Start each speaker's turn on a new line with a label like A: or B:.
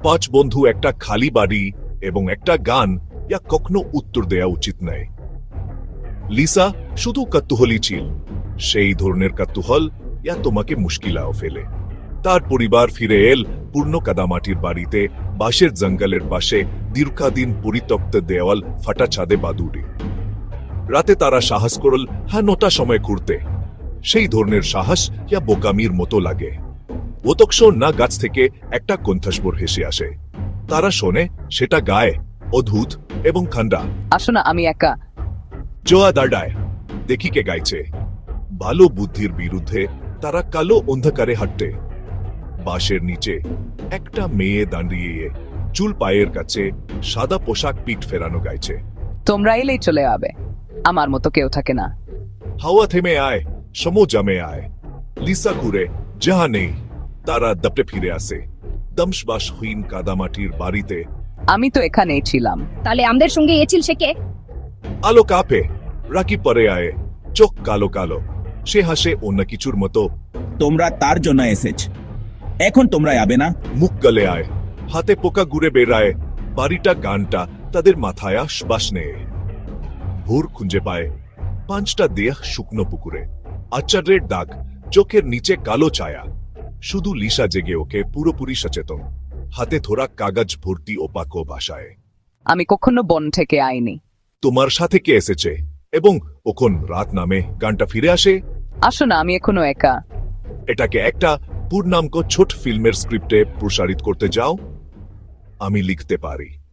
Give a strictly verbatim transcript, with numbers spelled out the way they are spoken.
A: পাঁচ বন্ধু একটা খালি বাড়ি এবং একটা গান ইয়া কখনো উত্তর দেয়া উচিত নয়। লিসা শুধু কৌতূহলী ছিল, সেই ধরনের কৌতূহল ইয়া তোমাকে মুশকিলাও ফেলে। তার পরিবার ফিরে এল পূর্ণ কাদামাটির বাড়িতে, বাঁশের জঙ্গলের পাশে, দীর্ঘদিন পরিত্যক্ত দেওয়াল, ফাটা ছাদে বাদুড়ি। রাতে তারা সাহস করল হ্যাঁ নটা সময় ঘুরতে। সেই ধরনের সাহস ইয়া বোকামির মতো লাগে। অতক্ষ না গাছ থেকে একটা কণ্ঠস্বর হেসে আসে। তারা শোনে সেটা গায়ে, অদ্ভুত এবং ঠান্ডা।
B: আসো না, আমি একা।
A: জোয়া দাঁড়ায়, দেখি কে গাইছে। ভালো বুদ্ধির বিরুদ্ধে তারা কালো অন্ধকারে হাঁটতে। বাঁশের নিচে একটা মেয়ে দাঁড়িয়ে, চুল পায়ের কাছে, সাদা পোশাক, পিঠ ফেরানো গাইছে।
B: তোমরা এলেই চলে যাবে, আমার মতো কেউ থাকে না।
A: হাওয়া থেমে আয়, সময় জমে আয়। লিসা ঘুরে, যাহা নেই। তারা দপটে ফিরে আসে দমশবাসহীন কাদামাটির বাড়িতে।
B: আমি তো এখানেই ছিলাম।
C: তাহলে আমাদের সঙ্গে এছিল সে কে?
A: আলো কাঁপে, রাকি পরে আয়, চোখ কালো কালো। সে হাসে অন্য কিছুর মতো।
D: তোমরা তার জন্য এসেছ, এখন তোমরা যাবে না?
A: মুখ গলে আয়, হাতে পোকা ঘুরে বেড়ায়। বাড়িটা গানটা তাদের মাথায় শ্বাস নেয়। ভোর খুঁজে পায় পাঁচটা দেহ শুকনো পুকুরে, আচারের দাগ, চোখের নিচে কালো ছায়া। শুধু লিসা জেগে ওকে পুরোপুরি সচেতন, হাতে ধরা কাগজ ভর্তি ওপাকো ভাষায়।
B: আমি কখনো বন থেকে আইনি।
A: তোমার সাথে কে এসেছে এবং ওখন রাত নামে গানটা ফিরে আসে।
B: আসো না, আমি এখনো একা।
A: এটাকে একটা পূর্ণাঙ্গ ছোট ফিল্মের স্ক্রিপ্টে প্রসারিত করতে যাও। আমি লিখতে পারি।